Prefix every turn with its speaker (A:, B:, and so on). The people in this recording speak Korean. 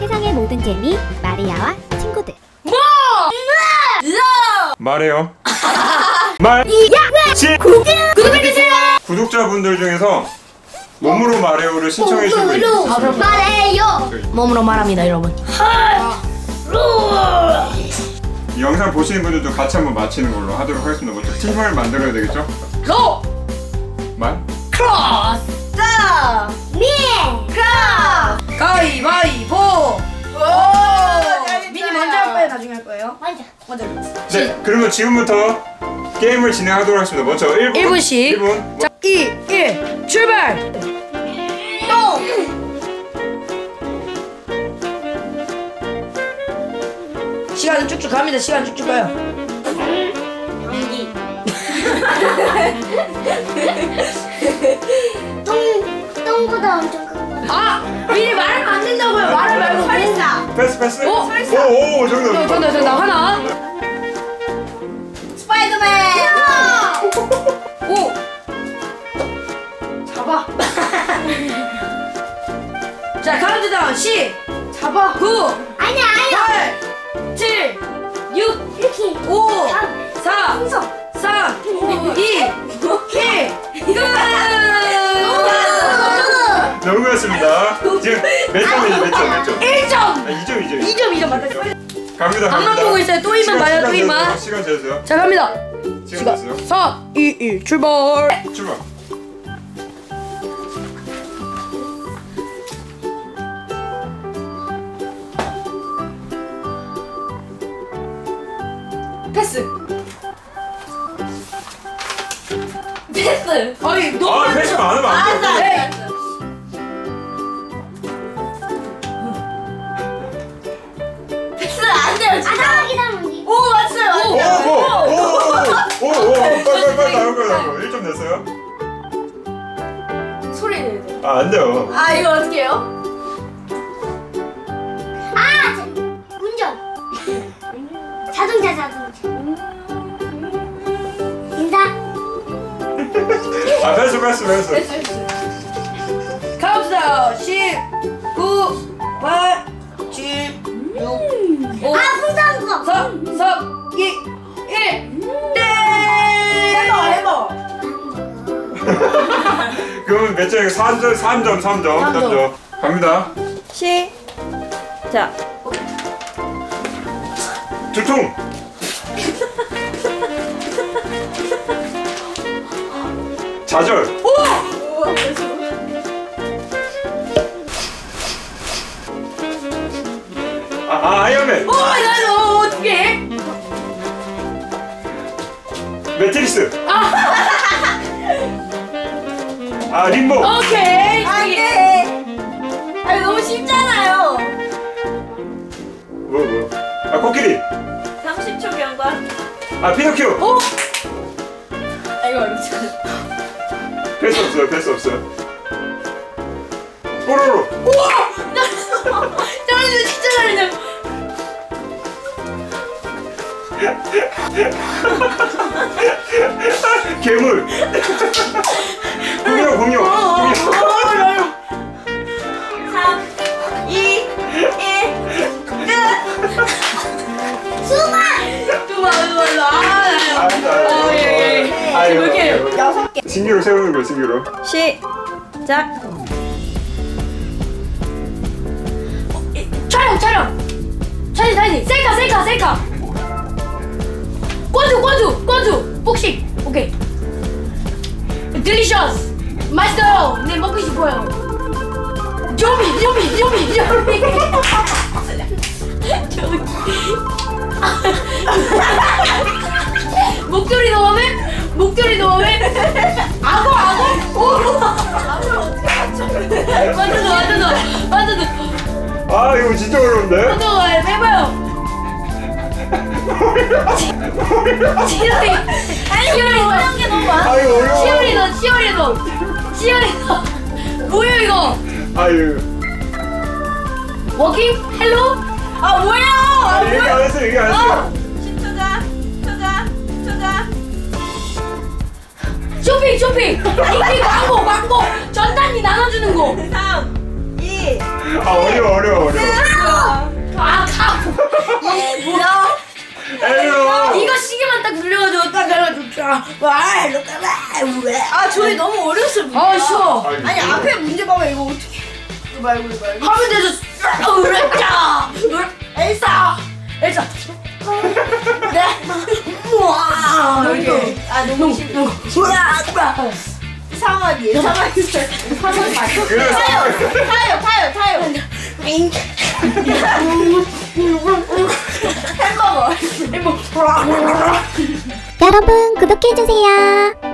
A: 세상의 모든 재미 마리아와 친구들.
B: 말해요. 말.
A: 구독해주세요.
B: 구독자분들 중에서 몸으로 말해요를 신청해 주신 분 있으세요?
A: 말해요.
C: 몸으로 말합니다, 여러분.
B: 이 영상 보시는 분들도 같이 한번 맞히는 걸로 하도록 하겠습니다. 먼저 팀을 만들어야 되겠죠?
C: 로!
B: 말.
C: 크로스!
A: 미. 크로스.
C: 가위바위보! 미니 먼저 할 거예요, 나중에 할 거예요?
A: 먼저.
B: 네, 그러면 지금부터 게임을 진행하도록 하겠습니다. 먼저
C: 1분씩.
B: 1분.
C: 자, 2, 1, 출발! 시간은 쭉쭉 갑니다. 시간 쭉쭉 가요.
A: 똥보다 엄청 큰 거.
C: 아! 미리 말하면 안 된다고요. 말을 말고.
A: 설사.
B: 패스.
C: 오!
B: 오, 정답.
C: 정답. 하나.
A: 스파이더맨.
C: 오! 잡아. 자, 카운트다운 10,
A: 잡아.
C: 9,
A: 아니야.
C: 8, 7, 6,
A: 이렇게.
C: 5, 4,
A: 풍선.
C: 3, 2, 1, 끝!
B: 너무 고맙습니다. 지금 몇 점?
C: 1점!
B: 2점.
C: 2점 맞다.
B: 갑니다.
C: 앞만 보고 있어요. 또 이만 봐요, 또 이만.
B: 시간 재세요.
C: 자, 갑니다.
B: 시간 재세요.
C: 4, 2, 1, 출발!
B: 출발.
C: 패스! 패스! 아니, 너무
B: 아, 패스 많으면 안 돼요.
C: 네.
A: 패스 안 돼요. 진짜. 기다리면
C: 오, 맞어요.
B: 오, 빨리 나올 거예요. 1점 냈어요?
C: 소리 내야 돼.
B: 아, 안 돼요.
C: 아, 이거 어떻게 해요?
A: 운전. 자동차. 인사.
B: 아, 패스.
C: 카운트다운 10, 9, 8, 7, 6, 5,
A: 풍선 거.
C: 4, 3, 2, 1, 땡! 해봐.
B: 그러면 몇 점이에요? 3점. 갑니다.
C: 시작.
B: 두통. 좌절. 아이언맨.
C: 나도 어떻게?
B: 매트리스. 림보.
C: 오케이. 아니 너무 쉽잖아요.
B: 뭐. 코끼리.
C: 30초 경과.
B: 피노키오.
C: 오. 이거
B: 패스 없어요. 뽀로로.
C: 우와! 잘하네, 진짜 잘하네.
B: 괴물. 공룡.
C: 3, 2, 1, 끝!
A: 수박.
C: 이렇게
A: 6개.
B: 신기로 세우는 거예요, 신기로.
C: 시작. 촬영. 차지. 셀카. 꽈주. 복식. 오케이. 딜리셔스. 맛있어요. 네, 먹고 싶어요. 조미. 목소리 넣으면 악어. 오. 맞춰줘.
B: 이거 진짜 어려운데?
C: 해봐요. 어려운 게 너무 많아.
B: 이거 어려워.
C: 치어리더. 뭐야 이거?
B: 아유.
C: 워킹? 헬로? 뭐야?
B: 얘기 안 했어요.
C: 10초자. 쇼핑. 이게 광고. 전단지 나눠주는 거.
D: 3, 2,
B: 어려워. 에휴.
C: 이거 시계만 딱 눌려가지고 딱 해가지고 와 이렇게 왜?
D: 아 저희 너무 어려웠어요. 문제가.
C: 아 쉬워.
D: 아니 앞에 문제 봐봐 이거 어떻게? 이거 말고 이거 말고.
C: 하면 되죠. 그랬자. 엘사. 엘사. 네. 우와. 이렇게.
D: 아 너무 싫어.
C: 우와.
D: 상황이 예상하기
B: 그래.
D: 타요. 햄버거.
A: 여러분 구독해주세요.